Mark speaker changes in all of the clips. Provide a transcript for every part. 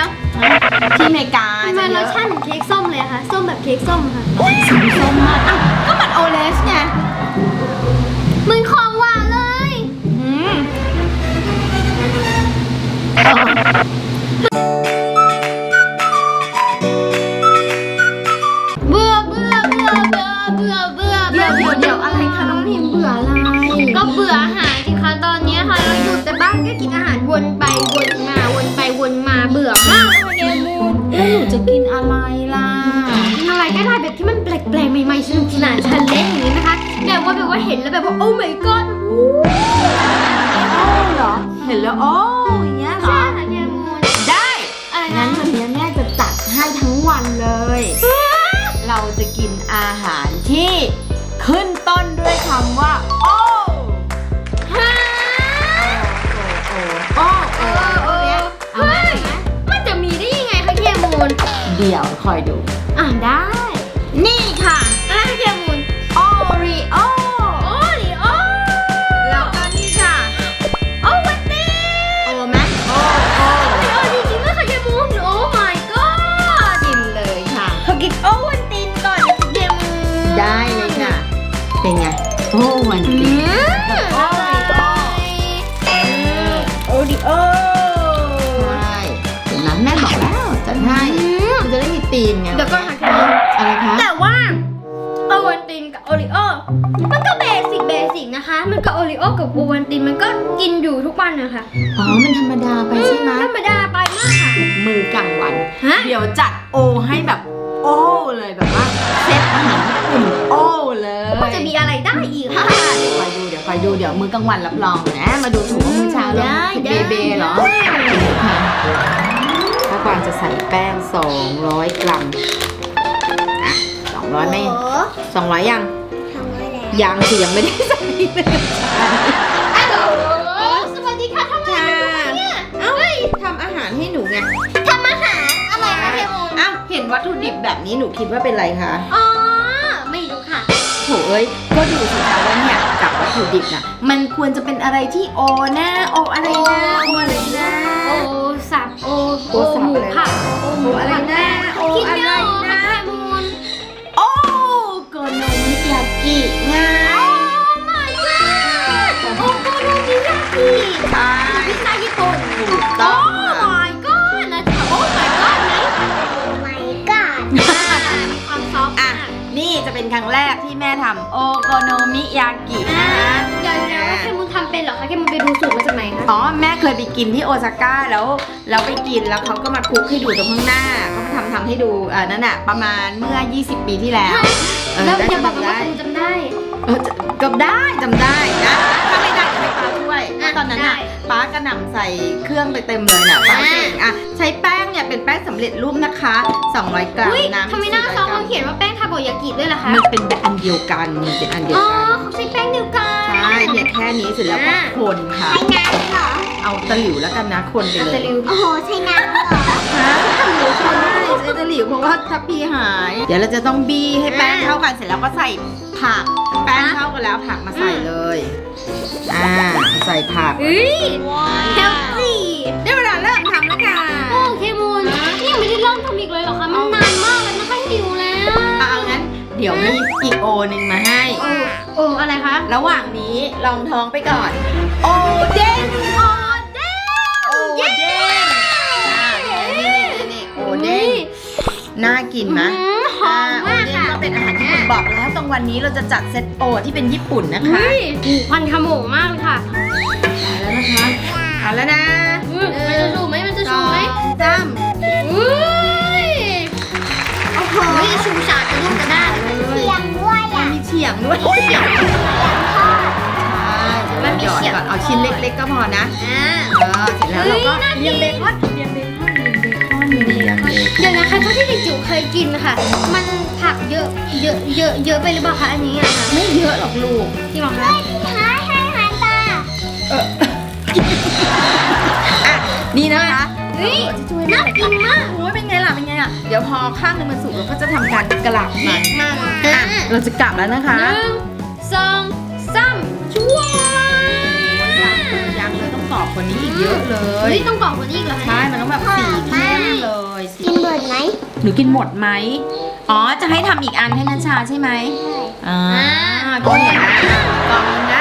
Speaker 1: ยว
Speaker 2: ที่อเมริกา
Speaker 1: ทำไมรสชาติเหมือนเค้กส้มเลยคะส้มแบบเค้กส้มค่ะ
Speaker 2: สีส้มมากอ่ะก็มันโอเลสไง
Speaker 1: เหมือนของหวานเลย เบื่อ
Speaker 2: เดี๋ยวอะไรคะน้องพิมเบื่ออะไร
Speaker 1: ก็เบื่ออาหารสิคะตอนนี้ค่ะเราอยู่แต่บ้านก็กินอาหารวนไปวนมาวนไปวนมาเบื่อมากเลยเกมูน
Speaker 2: แล้วหนูจะกินอะไรล่ะ
Speaker 1: กินอะไรก็ได้แบบที่มันแปลกๆใหม่ๆสนุกสนานชันเล่นอย่างนี้นะคะแบบว่าเห็นแล้วแบบว่าโอ้ my god
Speaker 2: โอ้เหรอเห็นแล้วโอ้อย่างเงี้ยเหร
Speaker 1: ใช่
Speaker 2: อ
Speaker 1: ค่ะเกมูน
Speaker 2: ได้
Speaker 1: อะไร
Speaker 2: งั้
Speaker 1: นะ
Speaker 2: นวันนี้แม่จะจัดให้ทั้งวันเลย เราจะกินอาหารที่ขึ้นต้นด้วยคำว่าโอ้
Speaker 1: ฮะ
Speaker 2: โอ้เนี่ยเอา
Speaker 1: เฮ้
Speaker 2: มาย
Speaker 1: มันจะมีได้ยังไงคะเกมูน
Speaker 2: เดี๋ยวคอยดู
Speaker 1: ได้
Speaker 2: นี่ค่ะ
Speaker 1: อะไรคะเกมูน
Speaker 2: โอรีโอ
Speaker 1: โอ้ดิโอ
Speaker 2: แล้วก็นี่ค่ะ
Speaker 1: โอ้วันนี้
Speaker 2: โอไหมโอ
Speaker 1: โอ้จริงๆด้วยค่ะเกมูนโอ้ my god
Speaker 2: กินเลยค่ะ
Speaker 1: เขากินโอ้วันตีนก่อนนะคะเกมูน
Speaker 2: ได้เลยค่ะ เป็นไง โอ้วันดี
Speaker 1: โอ้โอดิโอ
Speaker 2: ใช่เห็นไหมแม่บอกแล้วจัดให้มันจะได้มีธีมไง
Speaker 1: เดี๋ยวก็ค่ะเกมูน
Speaker 2: อะไรคะ
Speaker 1: แต่ว่าโอวันตินกับโอริโอมันก็เบสิกนะคะ มันก็โอริโอกับโอวันตินมันก็กินอยู่ทุกวันนะคะ
Speaker 2: อ๋อ มันธรรมดาไปใช่ไหม
Speaker 1: ธรรมดาไปมากค่ะ
Speaker 2: มือกลางวัน
Speaker 1: ฮะ
Speaker 2: เดี๋ยวจัดโอให้แบบโอ้เลยแบบว่าเซตอาหารญี่ปุ่นโอ้เลย
Speaker 1: มันจะมีอะไรได้อีก
Speaker 2: ค่ะ
Speaker 1: คะ
Speaker 2: เดี๋ยวคอยดูเดี๋ยวมื้อกลางวันรับรองนะ มาดูถูกว่ามื้อเช้าแล้ว
Speaker 1: ได้
Speaker 2: เบเบเหรอค่ะถ้ากวางจะใส่แป้ง200 กรัมอ่ะ200ไม่200ยัง
Speaker 1: ทำอะไร
Speaker 2: ยังสิยังไม่ได้ใส่เลย
Speaker 1: ฮัลโหลสวัสดีค่ะทำอะไรกันเนี่ย
Speaker 2: เอ้าทำอาหารให้หนูไง
Speaker 1: ทำอาหารอะไรคะเทมูน
Speaker 2: อ้าวเห็นวัตถุดิบแบบนี้หนูคิดว่าเป็นอะไรคะ
Speaker 1: อ๋อไม่รู้ค่ะ
Speaker 2: โถเอ้ยก็ดูสิคะว่าเนี่ยกับวัตถุดิบน่ะมันควรจะเป็นอะไรที่โอนะโออะไรนะโออะไรนะ
Speaker 1: โอสับโอ
Speaker 2: โอสับ
Speaker 1: หมู
Speaker 2: อะไร
Speaker 1: ผัด
Speaker 2: โออะไรนะโอ
Speaker 1: คิด
Speaker 2: อะ
Speaker 1: ไม่
Speaker 2: ไร
Speaker 1: ออก
Speaker 2: นะ
Speaker 1: ค่ะเทมูน
Speaker 2: โอโกโนมิยากิไง
Speaker 1: my god โอโกโนมิยากิ
Speaker 2: ใช่
Speaker 1: พิซซ่าญี่ปุ่น
Speaker 2: ถูกต้องค่ะ
Speaker 1: my god นะจ๊ะโอ้ my god ไหม my god มีความซอฟต์
Speaker 2: อ่ะ
Speaker 1: มาก
Speaker 2: นี่จะเป็นครั้งแรกที่แม่ทำโอโกโนมิยากิ
Speaker 1: อ่า
Speaker 2: นะคะ
Speaker 1: เดี๋ยวเคมุนทำเป็นเหรอคะเคมุนไปดูสูตรมาจากไหนคะ
Speaker 2: อ๋อแม่เคยไปกินที่โอซาก้าแล้วไปกินแล้วเขาก็มาคลุกให้ดูตรงข้างหน้าเขามาทำให้ดูนั่นน่ะประมาณเมื่อ 20 ปีที่แล้ว
Speaker 1: แล้ว
Speaker 2: เได้
Speaker 1: อย่าบอก
Speaker 2: จำ
Speaker 1: นะว่า
Speaker 2: ได้
Speaker 1: เคมุนจำได้
Speaker 2: ก็ได้จำได้นะถ้าไม่ได้จะให้ป้าช่วย
Speaker 1: อ่ะ
Speaker 2: ตอนนั้นน่ะ
Speaker 1: ได้
Speaker 2: ป้ากระหน่ำใส่เครื่องไปเต็มเลยน่ะป้าเก่งอ่ะใช้แป้งเนี่ยเป็นแป้งสำเร็จรูปนะคะ200 กรัม
Speaker 1: อุ้ย
Speaker 2: น้ำ
Speaker 1: ทำไมหน้า
Speaker 2: 400
Speaker 1: ซอง
Speaker 2: กรั
Speaker 1: เขาเขียนว่าแป้งทาโกยากิด้วยล่ะคะ
Speaker 2: มันเป็นแบบอันเดียวกันมันเป็นอันเดียว
Speaker 1: อ๋อ
Speaker 2: กัน
Speaker 1: เขาใช้แป้งเดียวกัน
Speaker 2: ใช่เนี่ยแค่นี้เสร็จแล้วก็คนค่ะ
Speaker 1: ใช้น้ำเหรอ
Speaker 2: เอาตะหลิวแล้วกันนะคนไป
Speaker 1: อัล
Speaker 2: เล
Speaker 1: เต
Speaker 2: ย
Speaker 1: ลิวโอ้โหใช้น้ำเหรอ
Speaker 2: ฮะตะหลิวใช่ใช้ตะหลิวเพราะว่าทัพพีหาย เดี๋ยวเราจะต้องบี้ให้แป้งเข้ากันเสร็จแล้วก็ใส่ผักแป้งเข้ากันแล้วผักมาใส่เลยใส่ผัก
Speaker 1: เฮ้ยเฮลตี้
Speaker 2: ได้เวลาเริ่มทำแล้วค่ะ
Speaker 1: โอ้เคมูนนี่ยังไม่ได้เริ่มทำอีกเลยเหรอคะมันนานมากแล้วนะคะหิวแล้ว
Speaker 2: เอางั้นเดี๋ยวมีอีกโอหนึ่งมาให้
Speaker 1: โอ้อะไรคะ
Speaker 2: ระหว่างนี้ลองท้องไปก่อน โอเด้ง
Speaker 1: โอเด้ง
Speaker 2: โอเด้งนี่โอเด้งน่ากินไหม
Speaker 1: หอมมากค่ะ
Speaker 2: ก็เป็นอาหารญี่ปุ่นบอกแล้วตรงวันนี้เราจะจัดเซตโอที่เป็นญี่ปุ่นนะคะ
Speaker 1: เฮ้ยควันขโมงมากเลยค่ะ
Speaker 2: แล้วนะคะเอาแล้วนะ
Speaker 1: มันจะชูไหมมันจะชูไหม
Speaker 2: สาม
Speaker 1: อุ้ยโอ้โหชูชาจะลูกกระด้างเลย
Speaker 2: มีเฉียงด้วยเฉียงมันมีเฉียงก่อนเอาชิ้นเล็กๆก็พอนะ เสร็จแล้วเราก็เรียงเบคอนเรียงเบคอนเรียงเบคอน
Speaker 1: เดี๋ยวนะคะเท่าที่เด็กจิ๋วเคยกินค่ะ มันผักเยอะไปหรือเปล่าคะอันนี้อะค่ะ
Speaker 2: ไม่เยอะหรอกลูก
Speaker 1: ที่บอกคะให้ตา
Speaker 2: อ่ะนี่นะคะ
Speaker 1: เฮ้ยน่ากินมาก
Speaker 2: โอ้ยเป็นไงล่ะเป็นไงอ่ะเดี๋ยวพอข้างนึงมันสุกเราก็จะทำการกลับมัน
Speaker 1: มาก
Speaker 2: อ่ะเราจะกลับแล้วนะคะ
Speaker 1: 1 2 3ชั่ว
Speaker 2: ยังเลยต้องกรอบกว่านี้อีกเยอะเล
Speaker 1: เฮ้
Speaker 2: ย
Speaker 1: ยต้องกรอบกว่านี้อีกเหรอคะ
Speaker 2: ใช่มันต้องแบบสีเข้มหนูกินหมดไหมอ๋อจะให้ทำอีกอันให้นัชชาใช่ไหมอ่าก็เห็นนะกล่องนึงนะ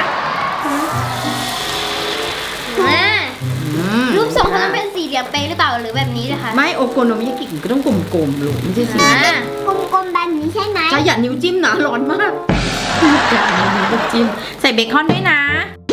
Speaker 1: รูปทรงเขาต้องเป็นสี่เหลี่ยมเป๊ะหรือเปล่าหรือแบบนี้นะคะ
Speaker 2: ไม่โอโกโนมิยากิก็ต้องกลมๆลูกไม่ใช่สี
Speaker 3: กลมๆแบบนี้ใช่ไหม
Speaker 2: จะอย่านิ้วจิ้มนะร้อนมากอย่านิ้วจิ้มใส่เบคอนด้วยนะ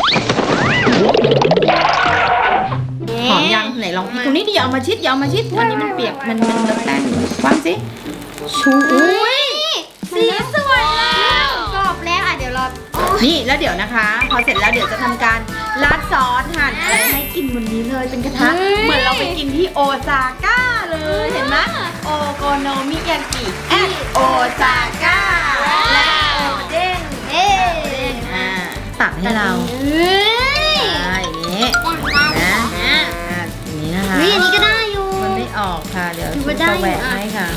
Speaker 2: หอมยังไหนลองตรงนี้ดิอย่าเอามาชิดอย่าเอามาชิดอันนี้มันเปียกมันเลอะแป้งวางสิชูอุ้ย
Speaker 1: สีสวยแล้วกรอบแล้วอ่ะเดี๋ยวรอ
Speaker 2: นี่แล้วเดี๋ยวนะคะ พอเสร็จแล้วเดี๋ยวจะทำการราดซอสหั่นอะไรให้กินบนนี้เลยเป็นกระทะเหมือนเราไปกินที่โอซาก้าเลยเห็นไหมโอโกโนมิยากิแอดโอซาก้าและโอเด้ง
Speaker 1: เอ๊ะ
Speaker 2: ตักให้เรา
Speaker 1: เฮ้ย
Speaker 2: อย่างนี้นะอย่างนี้นะคะ
Speaker 1: นี่อันนี้ก็ได้อยู่
Speaker 2: มันไม่ออกค่ะ เดี๋ยว
Speaker 1: ถือ
Speaker 2: ชุ
Speaker 1: ว่า
Speaker 2: ด
Speaker 1: ได้
Speaker 2: จะแหวก
Speaker 1: อยู่อ่ะ
Speaker 2: ให้ค่ะ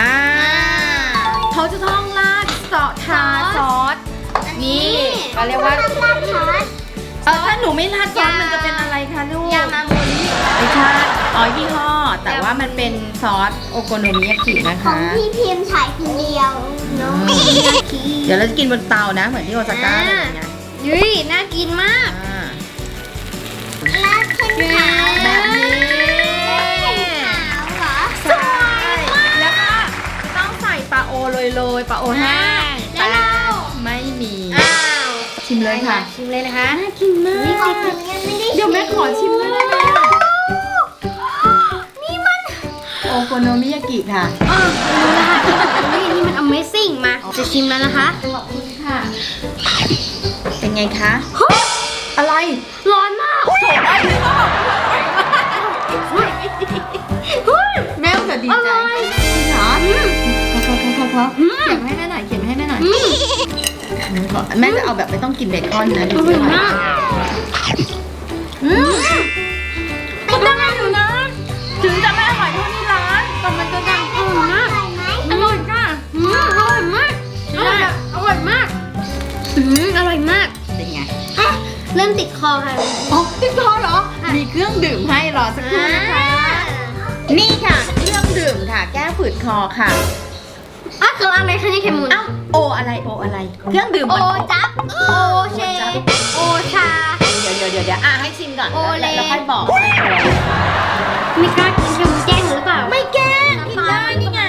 Speaker 2: เขาจะต้องราดทาซอสนี่เขาเรียกว่าถ้าหนูไม่ราดซอสมันจะเป็นอะไรคะลูก
Speaker 1: ยามามูริ
Speaker 2: ไม่ใช่อ๋อยี่ห้อ แต่ว่ามันเป็นซอสโอโกโนมิยากินะ
Speaker 3: ขอ
Speaker 2: คะ
Speaker 3: งพี่พิมพ์ฉายคนเดียวน้องไม่ยาคี
Speaker 2: เดี๋ยวเราจะกินบนเตานะ เหมือนที่โอซาก้าเลยไง
Speaker 1: ยุ้ยน่ากินมาก
Speaker 3: ลาดเส้นขาว
Speaker 2: แบบนี้
Speaker 3: ขาวเหรอ
Speaker 2: ใช่แล้วก็ต้องใส่ปลาโอโรยๆปลาโอแห้ง
Speaker 1: แล้วเรา
Speaker 2: ไม่มี
Speaker 1: อ้าว
Speaker 2: ชิมเลยค่ะ
Speaker 1: ชิมเลยนะคะ
Speaker 2: น่ากินมาก
Speaker 3: นี่ของหนูยังไม่ได้
Speaker 2: เดี๋ยวแม่ขอชิมด้วยได้ไหมอะ
Speaker 1: นี่มัน
Speaker 2: โอโกโนมิยากิค่ะ
Speaker 1: รู้แล้วค่ะนี่มัน Amazing มา จะชิมแล้วนะคะ
Speaker 2: ขอบคุณค่ะ เป็นไงคะ อะไร
Speaker 1: ร้อนมาก
Speaker 2: แม่จะดี
Speaker 1: อ
Speaker 2: ใจ
Speaker 1: ร่อย
Speaker 2: เหรอพอเขียนให้แม่หน่อยเขียนให้แม่หน่อยแม่จะเอาแบบไม่ต้องกินเบคอนนะ
Speaker 1: อร่อยมาก
Speaker 2: ก็ได้อยู่นะ ถึงจะไม่อร่อยเท่าที่ร้านแต่มันจะดัง
Speaker 1: อร่อยมาก
Speaker 3: ใส่ไหม
Speaker 1: อร่อยจ้ะอร่อยมากอร่อยแบบอร่อยมากอร่อยมาก
Speaker 2: เป็นไง
Speaker 1: เริ่มติดคอค่ะ
Speaker 2: อ๋อติดคอเหรอ มีเครื่องดื่มให้รอสักครู่นะคะ นี่ค่ะ เครื่องดื่มค่ะ แก้ฝืดคอค่ะ
Speaker 1: คืออะไรคะเนี่ยเขมมุน
Speaker 2: อ้าวโออะไรโออะไร เครื่องดื่ม
Speaker 1: โอ
Speaker 2: มัน
Speaker 1: จับ โอเช โอชา
Speaker 2: เดี๋ยวให้ชิมก่อน
Speaker 1: โอเล
Speaker 2: แล้วค่อยบอก
Speaker 1: ไม่กล้ากินเขมมุนแกล้งหรือเปล่า
Speaker 2: ไม่แกล้งกินได้นี่ไง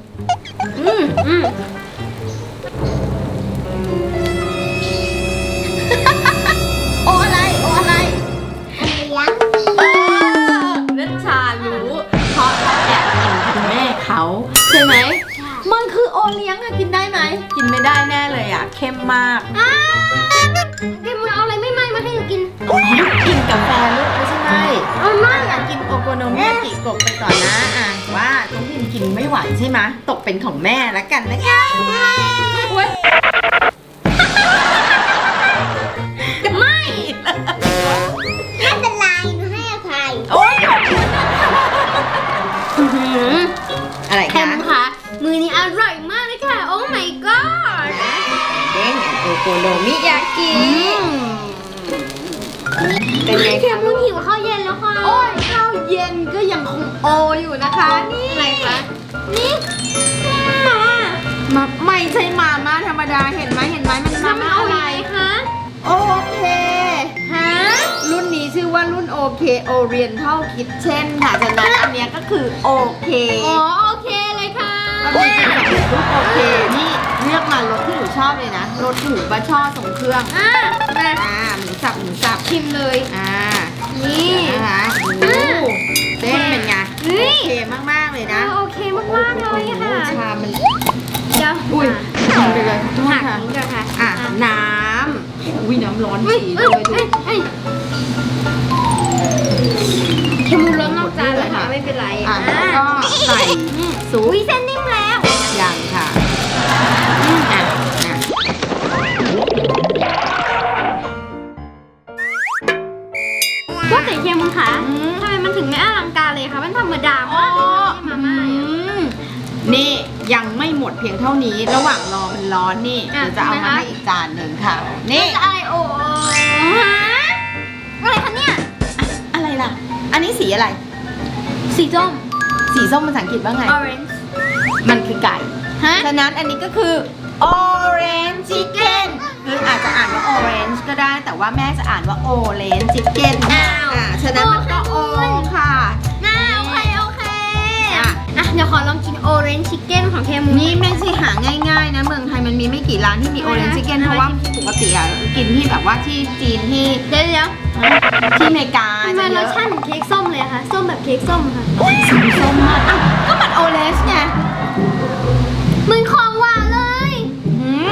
Speaker 2: โออะไรโออะไร
Speaker 3: เลี้ยง
Speaker 2: นัชชารู้เพราะเขาแอบกินคุณแม่เขาใช่ไหม มันคือโอเลี้ยงอะกินได้ไหม กินไม่ได้แน่เลยอะเข้มมาก
Speaker 1: เขมมุนเอาอะไรไม่ไหม้มาให้หนูกิน
Speaker 2: กินกาแฟลูกไม่ใช่ไหม
Speaker 1: เอาไม่
Speaker 2: อยากกินโอโกโนมิยากิกบไปก่อนนะอ่ะว่าน้องพิมกินไม่ไหวใช่ไหมตกเป็นของแม่แล้วกันนะคะอุ๊ย
Speaker 1: ไม่
Speaker 3: ไม่เป็นไรหนูให้อภัย
Speaker 2: โอ๊ยขอบคุณอะไร
Speaker 1: เขม
Speaker 2: คะ
Speaker 1: มุนค่ะ มือนี้อร่อยมากเลยค่ะ โอ้ my god
Speaker 2: เด้งโอโกโนมิยากิเป็นไง
Speaker 1: เข
Speaker 2: คะ
Speaker 1: มมุนหิวข้าวเย็นแล้วค่ะ
Speaker 2: โอ้ยข้าวเย็นก็ยังคงโออยู่นะคะนี่
Speaker 1: อะไรคะ
Speaker 2: นี่มาไม่ใช่มาม่าธรรมดาเห็นไหมมันมาม่าอะไร
Speaker 1: คะ
Speaker 2: โอเค
Speaker 1: ฮะ
Speaker 2: รุ่นนี้ชื่อว่ารุ่นโอเค Oriental Kitchen ค่ะฉะนั้นอันเนี้ยก็คือโอเค
Speaker 1: อ๋อโอเคเลยค่ะ
Speaker 2: มันมีเป็นสำเร็จรูปโอเค นี่เลือกมารสที่หนูชอบเลยนะรสหมูบะช่อทรงเครื่อง
Speaker 1: อ่ะมา
Speaker 2: หมูสับ
Speaker 1: ชิมเลย นี่
Speaker 2: นะคะเส้นเป็นไง
Speaker 1: เฮ้ย
Speaker 2: โอเคมากๆเลยนะ
Speaker 1: โอเคมากๆเลยค่ะ
Speaker 2: ชามมัน
Speaker 1: เดี๋ยว
Speaker 2: อุ้ยทำไปเลยขอโทษ
Speaker 1: หัก
Speaker 2: ค่ะ
Speaker 1: นี้ก่อนค่ะ
Speaker 2: น้ำอุ้ยน้ำร้อน
Speaker 1: เฮ้ย
Speaker 2: ฉี่
Speaker 1: เอ้
Speaker 2: เลย ยดู
Speaker 1: เอ้ยเค็มร้อนนอกจานแล้วค่ะไม่เป็นไร
Speaker 2: แล้วก็ใส่ซุป
Speaker 1: อุ้ยเส้นนิ่มแล้ว
Speaker 2: อย่างค่ะอ่ะ
Speaker 1: ว่าแต่เค็มมุนค่ะทำไมมันถึงไม่อลังการเลยคะมันธรรมดามากเลยนะมาม่า
Speaker 2: นี่ยังไม่หมดเพียงเท่านี้ ระหว่างรอมันร้อนนี่
Speaker 1: อ่ะ
Speaker 2: เดี๋ยวจะเอา
Speaker 1: ทำไม
Speaker 2: มา
Speaker 1: คะ
Speaker 2: ให้อีกจานหนึ่งค่ะ นี่
Speaker 1: จะอะไรโอ้ฮะอะไรคะเนี่ย
Speaker 2: อะไรล่ะ อันนี้สีอะไร
Speaker 1: สีส้ม
Speaker 2: สีส้มภาษาอังกฤษว่าไง
Speaker 1: orange
Speaker 2: มันคือไก่
Speaker 1: ฮะ
Speaker 2: ฉะนั้นอันนี้ก็คือ orange chicken คืออาจจะอ่านว่า orange ก็ได้แต่ว่าแม่จะอ่านว่า orange chicken
Speaker 1: อ้าว
Speaker 2: ฉะนั้นมันก็ o ค่ะ
Speaker 1: น่าโอเคอ่ะเดี๋ยวขอลองกินโอเรนจ์ชิคเก้นของเทมู
Speaker 2: นี่ไม่ใช่หาง่ายๆนะเมืองไทยมันมีไม่กี่ร้านที่มี orange chicken เพราะว่าปกติอะกินที่แบบว่าที่จีนที่
Speaker 1: เดี๋ยว
Speaker 2: ที่อเมริกา
Speaker 1: ทำไม
Speaker 2: จะเย
Speaker 1: ร
Speaker 2: อะ
Speaker 1: สชาติเหมือนเค้กส้มเลยอะคะส้มแบบเค้กส้มค่ะ
Speaker 2: สีส้มมากอ้าวก็มัน orange ไง
Speaker 1: เหมือนของหวานเลย
Speaker 2: อืม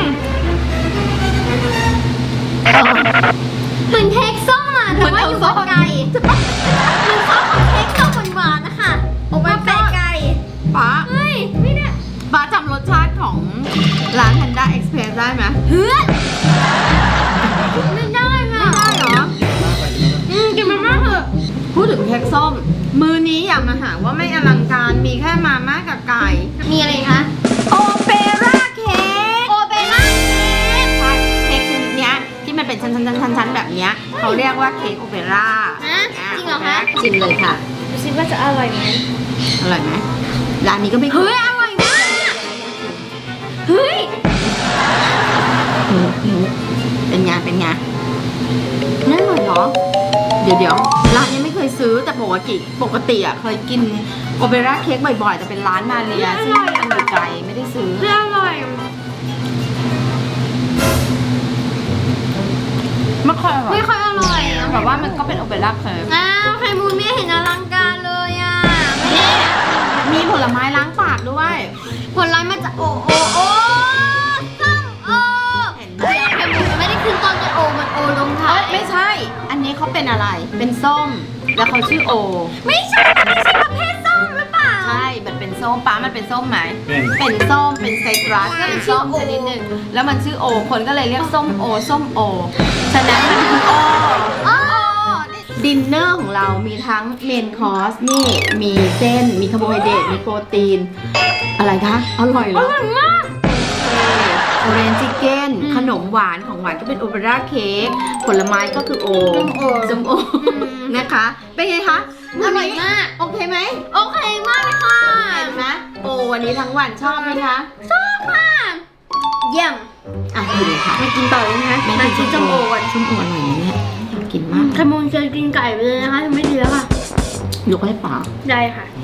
Speaker 1: เหมือนเค้กส้มอ่ะแต่ว่าอยู่บนไก่เหมือนซอสของเค้กส้มหวานๆนะคะ
Speaker 2: โอ้ my
Speaker 1: แปะ
Speaker 2: god
Speaker 1: ไก่
Speaker 2: ป๊า
Speaker 1: เฮ้ยไม่ได้
Speaker 2: ป๊าจำรสชาติของร้าน Panda Express ได้ไหม
Speaker 1: เฮ้ยไม่ได้ค่ะ
Speaker 2: ได้เหรอ
Speaker 1: กินมันมากเถอะ
Speaker 2: พูดถึงเค้กส้ม มือนี้อย่ามาหาว่าไม่อลังการมีแค่มาม่ากับไก่
Speaker 1: มีอะไรอีกคะ
Speaker 2: โอเปร่าเค้ก
Speaker 1: โอเปร่าเค้ก
Speaker 2: ใช่เค้กชนิดเนี้ยที่มันเป็นชั้นๆๆๆแบบเนี้ยเขาเรียกว่าเค้กโอเปร่า
Speaker 1: ฮะจริงเหรอคะ
Speaker 2: ชิมเลยค่ะ
Speaker 1: ดูสิว่าจะอร่อยไหม
Speaker 2: อร่อยไหมร้านนี้ก็ไม่
Speaker 1: เฮ้ยอร่อยมากเฮ้ย
Speaker 2: เป็นไงเป็นไงน่าอร่อยเหรอเดี๋ยวร้านนี้ไม่เคยซื้อแต่ปกติอ่ะเคยกินโอเปร่าเค้กบ่อยๆแต่เป็นร้านมาเรียซึ่งมันอยู่ไกลไม่ได้ซื้อ
Speaker 1: เฮ้ยอร่อย
Speaker 2: ไม่ค่อยอร่อย
Speaker 1: ไม่ค่อยอร่อยอะ
Speaker 2: แต่ว่ามันก็เป็นโอเปร่าเค้ก
Speaker 1: อ้าวไข่มูนไม่เห็นอลังการเลยอ่ะ
Speaker 2: มีผลไม้ล้างปากด้วย
Speaker 1: ผลไม้มาจากโอ้ส้มโอ
Speaker 2: เห็นไหม
Speaker 1: เดี๋ยวไข่มูนไม่ได้ขึ้นต้นด้วยโอมันโอลงท้าย
Speaker 2: ไม่ใช่ อันนี้เขาเป็นอะไรเป็นส้มแล้วเขาชื่อโอ
Speaker 1: ไม่ใช่ประเภทส้มหรือเปล่า
Speaker 2: ใช่มันเป็นส้มป้ามันเป็นส้มไหม
Speaker 4: เป็น
Speaker 2: เป็นส้มเป็นไซตรัส
Speaker 1: ก็
Speaker 2: เป็
Speaker 1: เป็น น
Speaker 2: ส้ม
Speaker 1: ชื่อโอ
Speaker 2: ชนิดหนึ่งแล้วมันชื่อโอคนก็เลยเรียกส้มโอฉะนั้นมันคือโอ
Speaker 1: โอ้
Speaker 2: ดินเนอร์ของเรามีทั้งเมนคอร์สนี่มีเส้นมีคาร์โบไฮเดรตมีโปรตีน อะไรคะอร่อยเหร
Speaker 1: อ
Speaker 2: อ
Speaker 1: ร่อยมาก
Speaker 2: โอเรนจ์ชิคเก้นขนมหวานของหวานก็เป็นโอเปร่าเค้กผลไม้ก็คือโอส้มโอนะคะ เป็นไงคะ
Speaker 1: อร่อยมาก
Speaker 2: โอเคไหม
Speaker 1: โอเคมากเลยค่ะ
Speaker 2: เห็นไหมโอวันนี้ทั้งวันชอบไหมคะ
Speaker 1: ชอบมากเยี่ยม
Speaker 2: อ่ะกินเลยค่ะ
Speaker 1: มากินต่อเลยนะคะ
Speaker 2: แม่
Speaker 1: มา
Speaker 2: กิ
Speaker 1: กิ
Speaker 2: น
Speaker 1: น
Speaker 2: ส้
Speaker 1: ส้
Speaker 2: ม
Speaker 1: ม
Speaker 2: โอ
Speaker 1: โอก่อน
Speaker 2: ส้มโออร่อยนะเนี่ยอยากกินมาก
Speaker 1: ไข่มูนจะกินไก่ไปเลยนะคะทำไม่ดีแล้วค่ะ
Speaker 2: ยกให้ป๋า
Speaker 1: ได้ค่ะ